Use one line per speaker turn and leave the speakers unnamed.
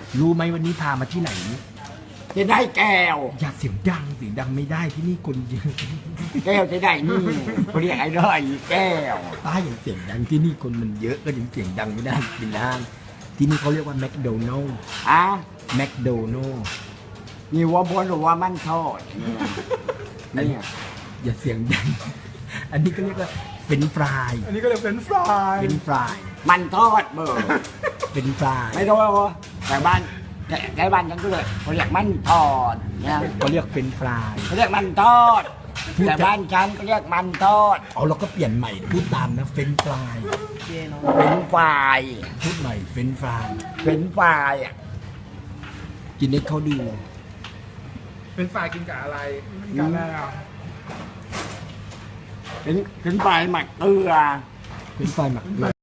รู้ไหมวันนี้พามาที่ไหน
จะได้แก้ว
อย่าเสียงดังไม่ได้ที่นี่คนเยอะ
แก้วจะได้นี่เขาเรียกไอ้ร้อยแก้ว
ป้าอย่างเสียงดังที่นี่คนมันเยอะก็ยังเสียงดังไม่ได้กินห้างที่นี่เขาเรียกว่าแมคโดนัลล์
อ่ะ
แมคโดนัลล์
มีวัวบนหรือว่ามันทอดเนี่ย
อย่าเสียงดัง อันนี้ก็เรียกว่าเป็นฟราย
อันนี้ก็เลยเป็นฟราย
เป็นฟราย
มันทอดเบอร์
เป็นฟราย
ไม่รู้ว่าแต่บ้านแต่บ้านฉันก็เลยเขาเรียกมันทอดเนี่ย
เขาเรียกเป็นฟราย
เขาเรียกมันทอดแต่บ้านฉันก็เรียกมันทอด
เอาเราก็เปลี่ยนใหม่พูดตามนะเฟรนฟราย
เป็นฝ่าย
พูดใหม่เฟรนฟราย
เป็นฝ่ายอ่ะ
กินให้เขาดู
เป็นฟรายกินกับอะไรกินกับอะไรอ่ะ
เป็นฝ่ายหมักเกลือ
เป็นฟรายหมักเกลือ